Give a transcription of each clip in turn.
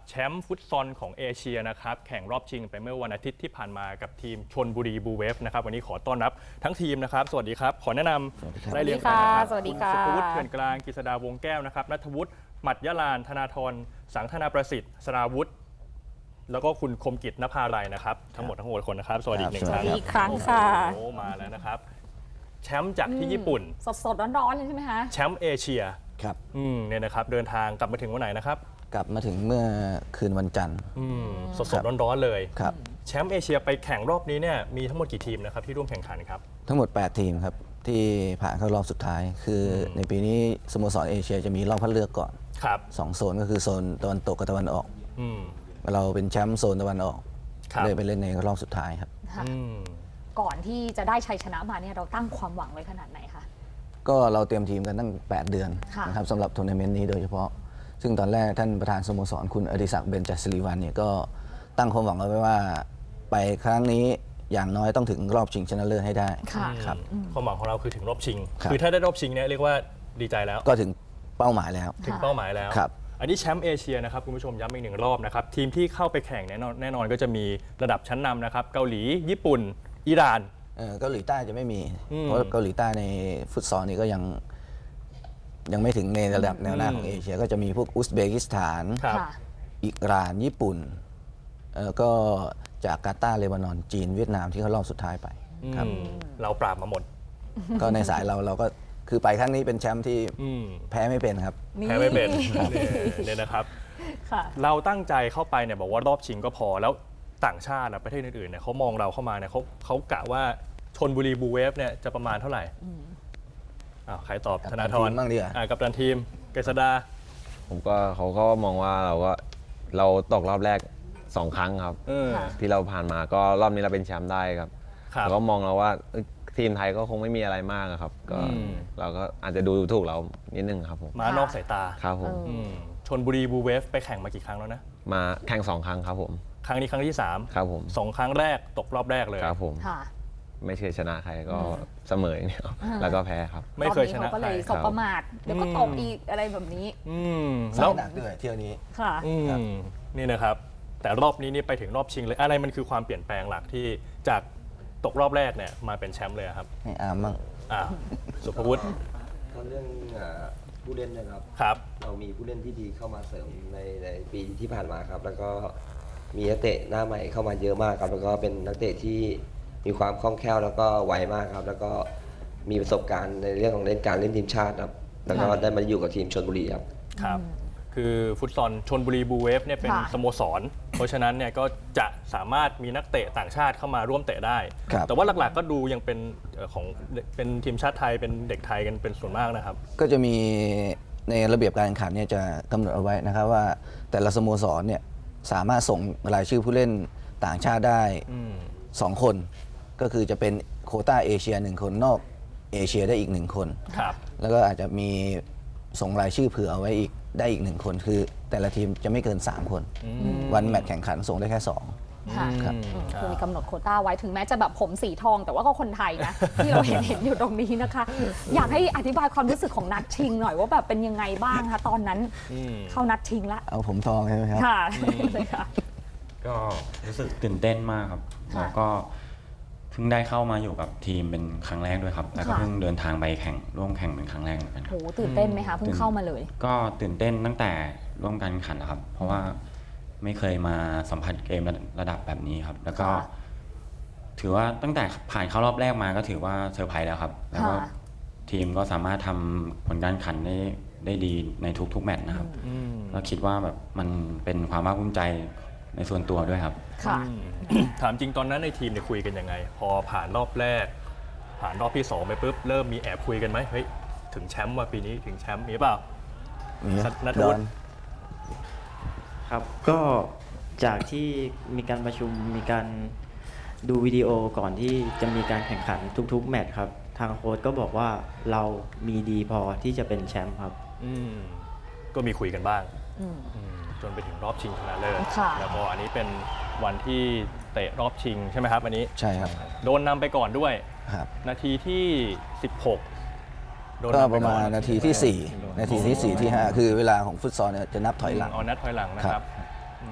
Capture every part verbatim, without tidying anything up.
แชมป์ฟุตซอลของเอเชียนะครับแข่งรอบชิงไปเมื่อวันอาทิตย์ที่ผ่านมากับทีมชลบุรีบูเวฟนะครับวันนี้ขอต้อนรับทั้งทีมนะครับสวัสดีครับขอแนะนำได้เรียงกันนะครับสวัสดีค่ะณสุภวุฒิเถื่อนกลางกฤษดาวงแก้วนะครับณัฐวุฒิหมัดยะลานธนาธรสังธนาประสิทธิ์สราวุฒิแล้วก็คุณคมกิจนภาไรนะครับทั้งหมดทั้งหมดคนนะครับสวัสดีอีกหนึ่งครั้งสวัสดีอีกครั้งค่ะโอ้โหมาแล้วนะครับแชมป์จากที่ญี่ปุ่นสดๆร้อนๆเลยใช่ไหมคะแชมป์เอเชียครับอืมเนี่ยนะครับเดินทางกลับมาถึงวันไหนนะครับกลับมาถึงเมื่อคืนวันจันทร์อืมสดๆร้อนๆเลยครับแชมป์เอเชียไปแข่งรอบนี้เนี่ยมีทั้งหมดกี่ทีมนะครับที่ร่วมแข่งขันครับทั้งหมด แปด ทีมครับ ที่ผ่านเข้ารอบสุดท้าย คืออในปีนี้สโมสรเอเชียจะมีรอบคัดเลือกก่อนครับสองโซนก็คือโซนตะวันตกกับตะวันออกอืมเราเป็นแชมป์โซนตะวันออกครับเลยไปเล่นในรอบสุดท้ายครับค่ะอืมก่อนที่จะได้ชัยชนะมาเนี่ยเราตั้งความหวังไว้ขนาดไหนคะก็เราเตรียมทีมกันตั้ง แปด เดือนค่ะนะครับสำหรับทัวร์นาเมนต์นี้โดยเฉพาะ ซึ่งตอนแรกท่านประธานสโมสรคุณอดิศักดิ์เบญจศิริวัลย์เนี่ยก็ตั้งความหวังเอาไว้ว่า ไปครั้งนี้อย่างน้อยต้องถึงรอบชิงชนะเลิศให้ได้ค่ะครับความหวังของเราคือถึงรอบชิงครับคือถ้าได้รอบชิงเนี่ยเรียกว่าดีใจแล้วก็ถึงเป้าหมายแล้วถึงเป้าหมายแล้วครับอันนี้แชมป์เอเชียนะครับคุณผู้ชมย้ำอีกหนึ่งรอบนะครับทีมที่เข้าไปแข่งแน่นอนแน่นอนก็จะมีระดับชั้นนำนะครับเกาหลีญี่ปุ่นอิหร่านเอ่อเกาหลีใต้จะไม่มีอืมเพราะเกาหลีใต้ในฟุตซอลนี่ก็ยังยังไม่ถึงในระดับแนวหน้าของเอเชีย ก็จะมีพวกอุซเบกิสถานครับค่ะอิหร่านญี่ปุ่นแล้วก็จากกาตาร์เลบานอนจีนเวียดนามที่เขารอบสุดท้ายไปครับอืมเราปราบมาหมดก็ในสายเราเราก็คือไปครั้งนี้เป็นแชมป์ที่อืมแพ้ไม่เป็นครับนี่แพ้ไม่เป็นเนี่ยนะครับค่ะเราตั้งใจเข้าไปเนี่ยบอกว่ารอบชิงก็พอแล้วต่างชาตินะประเทศอื่นๆเนี่ยเขามองเราเข้ามาเนี่ยเขาเขากะว่าชลบุรีบูเวฟเนี่ยจะประมาณเท่าไหร่อ้าวใครตอบกัปธตันนาธรทีมบ้างดีกว่าอ่ากับตันทีมเกษดาผมก็เขาก็มองว่าเราก็เราตกรอบแรกสองครั้งครับเออค่ะที่เราผ่านมาก็รอบนี้เราเป็นแชมป์ได้ครับครับเราก็มองเราว่าเอ้ยทีมไทยก็คงไม่มีอะไรมากอะครับ ก็อืมเราก็อาจจะดูถูกเรานิดนึงครับผมมานอกสายตาครับผมอืมชลบุรีบูเวฟไปแข่งมากี่ครั้งแล้วนะมาแข่งสองครั้งครับผมครั้งนี้ครั้งที่สามครับผมสองครั้งแรกตกรอบแรกเลยครับผมค่ะไม่เคยชนะใครก็เสมออย่างเดียวแล้วก็แพ้ครับไม่เคยชนะรอบเขาก็ใคเลรยสบประมาทเดี๋ยวก็ตกอีกอะไรแบบนี้อืมสาแล้ยว หนักด้วยเที่ยวนี้ค่ะอืมครับนี่นะครับ แต่รอบนี้นี่ไปถึงรอบชิงเลยอะไรมันคือความเปลี่ยนแปลงหลักที่จากตกรอบแรกเนี่ยมาเป็นแชมป์เลยอะครับให้อาร์มบ้างอ่าสุภวุฒิก็เรื่องอ่าผู้เล่นนะครับครับเรามีผู้เล่นที่ดีเข้ามาเสริมในในปีที่ผ่านมาครับ แล้วก็มีนักเตะหน้าใหม่เข้ามาเยอะมากครับ แล้วก็เป็นนักเตะที่มีความคล่องแคล่วแล้วก็ไวมากครับ แล้วก็มีประสบการณ์ในเรื่องของเล่นการเล่นทีมชาติครับ แล้วก็ได้มาอยู่กับทีมชลบุรีครับครับ คือฟุตซอลชนบุรีบูเวฟเนี่ยเป็นค่ะสโมสร เพราะฉะนั้นเนี่ยก็จะสามารถมีนักเตะต่างชาติเข้ามาร่วมเตะได้ครับแต่ว่าหลักๆก็ดูยังเป็นเอ่อของเป็นทีมชาติไทยเป็นเด็กไทยกันเป็นส่วนมากนะครับก็จะมีในระเบียบการแข่งขันเนี่ยจะกำหนดเอาไว้นะครับว่าแต่ละสโมสรเนี่ยสามารถส่งรายชื่อผู้เล่นต่างชาติได้อืมสองคน ก็คือจะเป็นโควต้าเอเชียหนึ่งคนนอกเอเชียได้อีกหนึ่งคนครับแล้วก็อาจจะมีส่งรายชื่อเผื่อเอาไว้อีกได้อีกหนึ่งคน คือแต่ละทีมจะไม่เกิน สาม คน วันแมตช์แข่งขันส่งได้แค่สองค่ะครับอืมคือมีกำหนดโควต้าไว้ถึงแม้จะแบบผมสีทอง แต่ว่าก็คนไทยนะ ที่เราเห็นเห็นอยู่ตรงนี้นะคะ อยากให้อธิบายความรู้สึกของนัดชิงหน่อยว่าแบบเป็นยังไงบ้างคะตอนนั้นอืมเข้านัดชิงละเอาผมทองใช่ไหมครับค่ะเลยค่ะก็รู้สึกตื่นเต้นมากครับค่ะแล้วก็เพิ่งได้เข้ามาอยู่กับทีมเป็นครั้งแรกด้วยครับ แล้วก็ค่ะเพิ่งเดินทางไปแข่งร่วมแข่งเป็นครั้งแรกเหมือนกันคโหรับตื่นเต้นไหมคะเพิ่งเข้ามาเลยก็ตื่นเต้นตั้งแต่ร่วมการแข่งขันนะครับ เพราะว่าไม่เคยมาสัมผัสเกมระระดับแบบนี้ครับ แล้วก็ค่ะถือว่าตั้งแต่ผ่านเข้ารอบแรกมาก็ถือว่าเซอร์ไพรส์แล้วครับ แล้วก็ค่ะทีมก็สามารถทำผลการแข่งขันได้ได้ดีในทุกๆแมตช์นะครับอืมแล้วคิดว่าแบบมันเป็นความภาคภูมิใจในส่วนตัวด้วยครับค่ะอืมถามจริงตอนนั้นในทีมเนี่ยคุยกันยังไง พอผ่านรอบแรก ผ่านรอบที่สองไปปุ๊บเริ่มมีแอบคุยกันไหมเฮ้ยถึงแชมป์ว่าปีนี้ถึงแชมป์มีเปล่า นัทวุฒิครับก็จากที่มีการประชุมมีการดูวิดีโอก่อนที่จะมีการแข่งขันทุกๆแมตช์ครับทางโค้ชก็บอกว่าเรามีดีพอที่จะเป็นแชมป์ครับอืมก็มีคุยกันบ้างอืมอืมจนไปถึงรอบชิงชนะเลิศค่ะแล้วก็อันนี้เป็นวันที่เตะรอบชิงใช่ไหมครับอันนี้ใช่ครับโดนนำไปก่อนด้วยครับนาทีที่ สิบหกโดนก็นำปไประ ก่อมาณนาทีที่ สี่ นาทีที่ สี่ ที่ ห้า คือเวลาของฟุตซอลเนี่ยจะนับถอยหลังเอานัดถอยหลังนะครับอื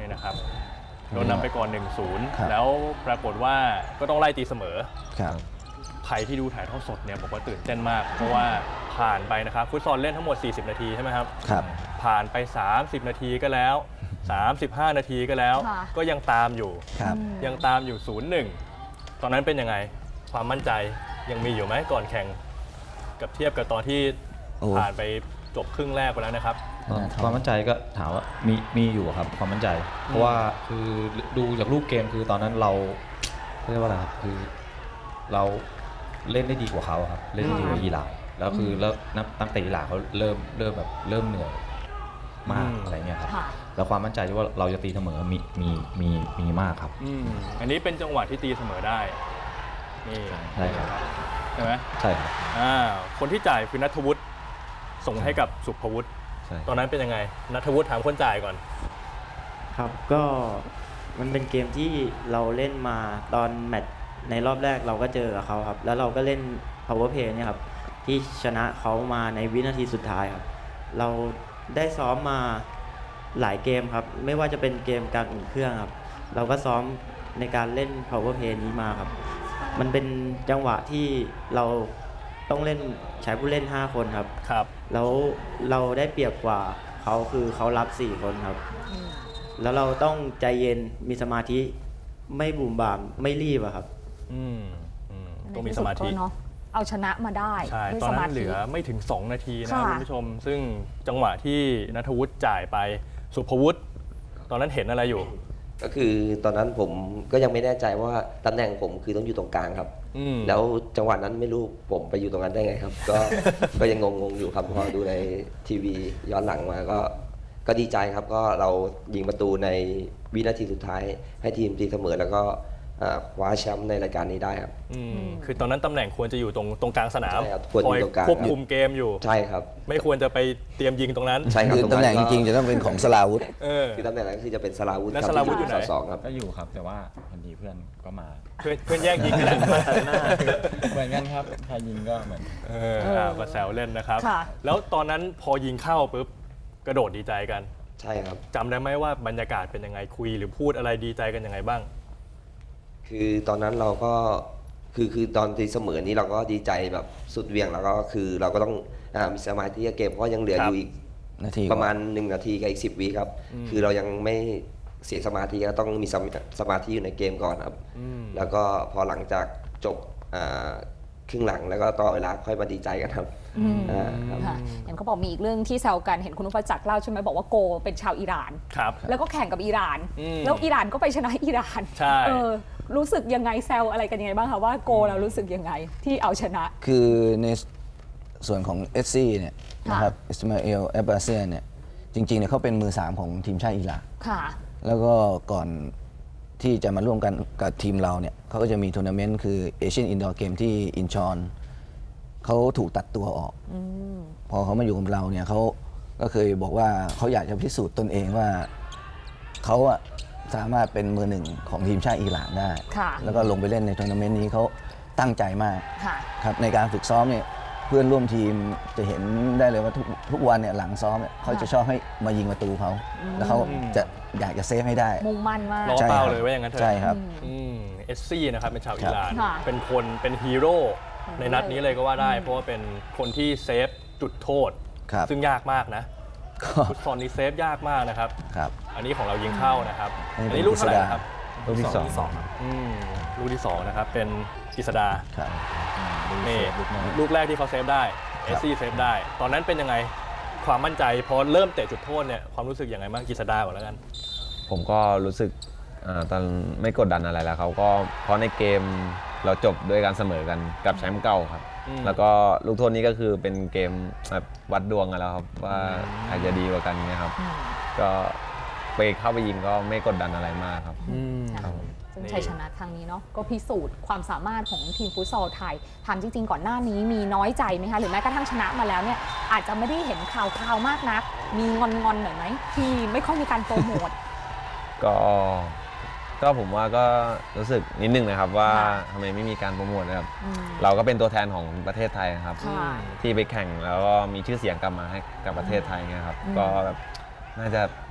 นี่นะครับโดนนำไปก่อน หนึ่งศูนย์ครับแล้วปรากฏว่าก็ต้องไล่ตีเสมอครับใครที่ดูถ่ายทอดสดเนี่ยบอกว่าตื่นเต้นมาก เพราะว่าผ่านไปนะครับฟุตซอลเล่นทั้งหมด สี่สิบ นาทีใช่ไหมครับครับผ่านไป สามสิบ นาทีก็แล้ว สามสิบห้า นาทีก็แล้วค่ะก็ยังตามอยู่ครับยังตามอยู่ ศูนย์หนึ่ง ตอนนั้นเป็นยังไง ความมั่นใจยังมีอยู่ไหมก่อนแข่ง กับเทียบกับตอนที่โอ้ผ่านไปจบครึ่งแรกไปแล้วนะครับความมั่นใจก็ถามว่ามีมีอยู่ครับความมั่นใจ เพราะว่าคือดูจากรูปเกมคือตอนนั้นเราเรียกว่าอะไรครับคือเราเล่นได้ดีกว่าเขาครับเล่นได้ดีกว่าอิหร่านแล้วคือแล้วนักตั้งแต่อิหร่านเขาเริ่มเริ่มแบบเริ่มเหนื่อยมากอืมอะไรเงี้ยครับค่ะแล้วความมั่นใจที่ว่าเราจะตีเสมอมีมีมีมีมากครับอืมอันนี้เป็นจังหวะที่ตีเสมอได้ นี่ใช่ครับใช่ไหมใช่ครับอ่าคนที่จ่ายคือนัทวุฒิส่งให้กับสุภวุฒิใช่ตอนนั้นเป็นยังไงนัทวุฒิถามคนจ่ายก่อนครับก็มันเป็นเกมที่เราเล่นมาตอนแมตช์ในรอบแรกเราก็เจอกับเขาครับ แล้วเราก็เล่น power play เนี่ยครับที่ชนะเขามาในวินาทีสุดท้ายครับ เราได้ซ้อมมาหลายเกมครับ ไม่ว่าจะเป็นเกมการอุ่นเครื่องครับ เราก็ซ้อมในการเล่น power play นี้มาครับ มันเป็นจังหวะที่เราต้องเล่นใช้ผู้เล่น ห้า คนครับครับแล้วเราได้เปรียบกว่าเขาคือเขารับ สี่ คนครับ แล้วเราต้องใจเย็นมีสมาธิไม่บุ่มบ่ามไม่รีบอะครับอืมอืมในต้องมีที่สสุดมาธิก็เนาะเอาชนะมาได้ใช่ด้วยตอนสนั้มานเหธิลือไม่ถึง สอง นาทีนะค่ะคุณผู้ชม ซึ่งจังหวะที่นัทวุฒิจ่ายไปสุภวุฒิตอนนั้นเห็นอะไรอยู่ก็คือตอนนั้นผมก็ยังไม่แน่ใจว่าตำแหน่งผมคือต้องอยู่ตรงกลางครับอืมแล้วจังหวะนั้นไม่รู้ผมไปอยู่ตรงนั้นได้ไงครับ ก็ ก็ยังงงๆอยู่ครับพอดูในทีวีย้อนหลังมาก็ก็ดีใจครับ ก็เรายิงประตูในวินาทีสุดท้าย ให้ทีมตีเสมอแล้วก็อ่าคว้าแชมป์ในรายการนี้ได้ครับอืมคือตอนนั้นตำแหน่งควรจะอยู่ตรงตรงกลางสนามใช่ครับควรอยู่คอยตรงกลางควบคุมเกมอยู่ใช่ครับไม่ควรจะไปเตรียมยิงตรงนั้นใช่ครับคือรงตำแหน่งจก็ริงๆจะต้องเป็นของสลาวุธเออคือตำแหน่งนั้นคือจะเป็นสลาวุธแล้วครับสราวุธอยู่ไหนสองครับก็อยู่ครับแต่ว่าพอดีเพื่อนก็มาเพื่อนเพื่อนแย่งยิงกันแหละเหมือนกันครับใครยิงก็เหมือนเอออ่ามาแซวเล่นนะครับค่ะแล้วตอนนั้นพอยิงเข้าปุ๊บกระโดดดีใจกันใช่ครับจำได้ไหมว่าบรรยากาศเป็นยังไงคุยหรือพูดอะไรดีใจกันยังไงบ้างคือตอนนั้นเราก็คือคือตอนตีเสมอนี้เราก็ดีใจแบบสุดเหวียงแล้วก็คือเราก็ต้องอามีสมาธิกับเกมเพราะยังเหลือครัอบ ยู่อีกนาทีประมาณหนึ่งนาทีกับอีกสิบวิครับ คือเรายังไม่เสียสมาธิก็ต้องมีสมาสมาธิอยู่ในเกมก่อนครับอืมแล้วก็พอหลังจากจบอ่าครึ่งหลังแล้วก็ต่อเวลาค่อยมาดีใจกันครับอืมอ่าครับค่ะเห็นเขาบอกมีอีกเรื่องที่แซวกันเห็นคุณนุพจักรเล่าใช่ไหมบอกว่าโกเป็นชาวอิหร่านครับแล้วก็แข่งกับอิหร่านอืมแล้วอิหร่านก็ไปชนะอิหร่านใช่เออรู้สึกยังไงแซวอะไรกันยังไงบ้างคะว่าโกเรารู้สึกยังไงที่เอาชนะคือในส่วนของเอสซีเนี่ยนะครับอิสมาเอลแอบบาเซียเนี่ยจริงๆเนี่ยเขาเป็นมือสามของทีมชาติอิหร่านค่ะแล้วก็ก่อนที่จะมาร่วมกันกับทีมเราเนี่ยเขาก็จะมีทัวร์นาเมนต์คือเอเชียนอินดอร์เกมที่อินชอนเขาถูกตัดตัวออกอพอเขามาอยู่กับเราเนี่ยเขาก็เคยบอกว่าเขาอยากจะพิสูจน์ตนเองว่าเขาอะสามารถเป็นมือหนึ่งของทีมชาติอิหร่านได้ค่ะแล้วก็ลงไปเล่นในทัวร์นาเมนต์นี้เขาตั้งใจมากค่ะครับในการฝึกซ้อมเนี่ยเพื่อนร่วมทีมจะเห็นได้เลยว่าทุกทุกวันเนี่ยหลังซ้อมเนี่ยเขาจะชอบให้มายิงประตูเขาแล้วเขาจะอยากจะเซฟให้ได้มุ่งมั่นมากรอใช่เป้าครับเลยว่าอย่างนั้นเถอะใช่ครับเอสซี่นะครับเป็นชาวอิหร่านค่ะเป็นคนเป็นฮีโร่ในนัดนี้เลยก็ว่าได้อืมเพราะว่าเป็นคนที่เซฟจุดโทษครับซึ่งยากมากนะก็ฟุตซอลนี้เซฟยากมากนะครับครับอันนี้ของเรายิงเข้านะครับอันนี้อันนี้ลูกเท่าไหร่นะครับลูกที่สองอืมลูกที่สองนะครับเป็นกฤษดาครับนี่ลูกแรกที่เขาเซฟได้เอสซี่เซฟได้ ตอนนั้นเป็นยังไงความมั่นใจพอเริ่มเตะจุดโทษเนี่ยความรู้สึกยังไงบ้างกฤษดาก่อนแล้วกันผมก็รู้สึกอ่าตอนไม่กดดันอะไรแล้วเขาก็เพราะในเกมเราจบด้วยการเสมอกันกับแชมป์เก่าครับอืมแล้วก็ลูกโทษนี้ก็คือเป็นเกมแบบวัดดวงกันแล้วครับว่าใครจะดีกว่ากันเนี่ยครับ ก็ไปเข้าไปยิงก็ไม่กดดันอะไรมากครับค่ะซึ่งชัยชนะครั้งนี้เนาะก็พิสูจน์ความสามารถของทีมฟุตซอลไทยถามจริงๆ ก่อนหน้านี้มีน้อยใจไหมคะหรือแม้กระทั่งชนะมาแล้วเนี่ยอาจจะไม่ได้เห็นข่าวข่าวๆมากนัก มีงอนๆหน่อยไหมที่ไม่ค่อยมีการโปรโมทก็ก็ผมว่าก็รู้สึกนิดนึงนะครับว่าค่ะทำไมไม่มีการโปรโมทนะครับอืมเราก็เป็นตัวแทนของประเทศไทยนะครับค่ะที่ไปแข่งแล้วก็มีชื่อเสียงกลับมาให้กับประเทศไทยเงี้ยครับอืมก็แบบน่าจะ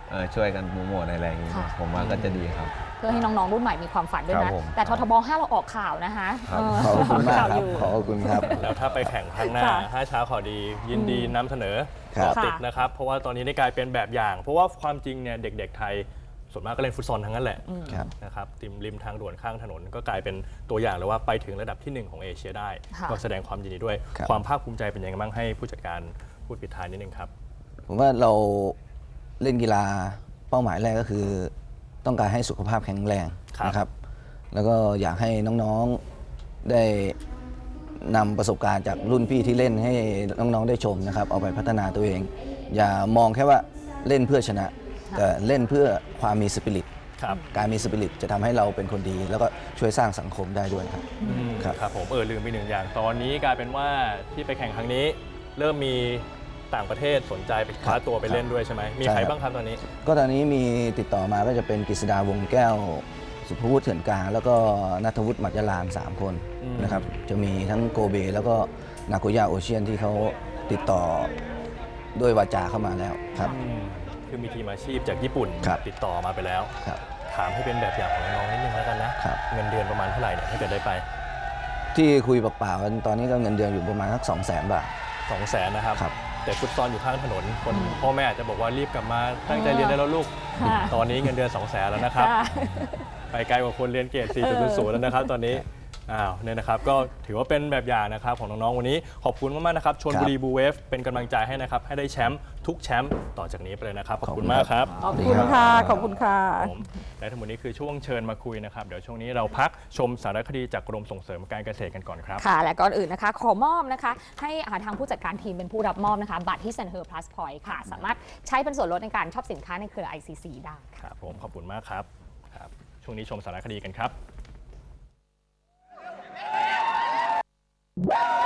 เอ่อช่วยกันโปรโมทอะไรอย่างนี้ค่ะผมว่าก็จะดีครับเพื่อให้น้องๆรุ่นใหม่มีความฝันด้วยครันะบผมแต่ททบห้าเราออกข่าวนะคะครับเออขอบคุณมากข่าวครัอบ ยู่ขอบคุณครับแล้วถ้าไปแข่งครั้งหน้าค่ะห้าเช้าข่าวดียินดีนำเสนอครับต่อติดนะครับ เพราะว่าตอนนี้ได้กลายเป็นแบบอย่าง เพราะว่าความจริงเนี่ยเด็กๆไทยส่วนมากก็เล่นฟุตซอลทั้งนั้นแหละครับนะครับติมริมทางด่วนข้างถนนก็กลายเป็นตัวอย่างเลยว่าไปถึงระดับที่หนึ่งของเอเชียได้ค่ะก็แสดงความยินดีด้วยครับความภาคภูมิใจเป็นยังไงบ้างให้ผู้จัดการพูดปิดท้ายนิดนึงครับผมว่าเราเล่นกีฬาเป้าหมายแรกก็คือ ต้องการให้สุขภาพแข็งแรงครับนะครับ แล้วก็อยากให้น้องๆได้นำประสบการณ์จากรุ่นพี่ที่เล่นให้น้องๆได้ชมนะครับ เอาไปพัฒนาตัวเอง อย่ามองแค่ว่าเล่นเพื่อชนะ แต่เล่นเพื่อความมีสปิริตครับการมีสปิริตจะทำให้เราเป็นคนดี แล้วก็ช่วยสร้างสังคมได้ด้วยครับอืมครับครับผมเออลืมไปหนึ่งอย่าง ตอนนี้กลายเป็นว่าที่ไปแข่งครั้งนี้ เริ่มมีต่างประเทศสนใจไปคว้าตัวไปเล่นด้วยใช่ไหมมีใครบ้างครับตอนนี้ก็ตอนนี้มีติดต่อมาก็จะเป็นกฤษดาวงแก้ว สุภวุฒิเถื่อนกลางแล้วก็นัทวุฒิหมัจยลานสามคนอืมนะครับจะมีทั้งโกเบ แล้วก็นาโกย่าโอเชียนที่เขาติดต่อด้วยวาจาเข้ามาแล้วครับอืมคือมีทีมอาชีพจากญี่ปุ่นครับติดต่อมาไปแล้วครับถามให้เป็นแบบอย่างของน้องๆนิดนึงแล้วกันนะครับ เงินเดือนประมาณเท่าไหร่เนี่ยถ้าเกิดได้ไปที่คุยเปล่าๆกันตอนนี้ก็เงินเดือนอยู่ประมาณสักสองแสนบาทสองแสนนะครับครับแต่ฟุตซอลอยู่ข้างถนนคนพ่อแม่อาจจะบอกว่ารีบกลับมาตั้งใจเรียนได้แล้วลูกค่ะตอนนี้เงินเดือนสองแสนแล้วนะครับค่ะไปไกลกว่าคนเรียนเกรด สี่จุดศูนย์ แล้วนะครับตอนนี้อ้าวเนี่ยนะครับก็ถือว่าเป็นแบบอย่างนะครับของน้องๆวันนี้ขอบคุณมากๆนะครับชลบุรีบูเวฟเป็นกำลังใจให้นะครับให้ได้แชมป์ทุกแชมป์ต่อจากนี้ไปเลยนะครับขอบคุณมากครับขอบคุณค่ะ ขอบคุณค่ะผมและทั้งหมดนี้คือช่วงเชิญมาคุยนะครับ เดี๋ยวช่วงนี้เราพักชมสารคดีจากกรมส่งเสริมการเกษตรกันก่อนครับค่ะ และก่อนอื่นนะคะ ขอมอบนะคะ ให้อ่าทางผู้จัดการทีมเป็นผู้รับมอบนะคะ บัตรที่เซ็นเฮอร์ plus point ค่ะ สามารถใช้เป็นส่วนลดในการช็อปสินค้าในเครือ ไอ ซี ซี ได้ค่ะครับผมขอบคุณมากครับครับ ช่วงนี้ชมสารคดีกันครับ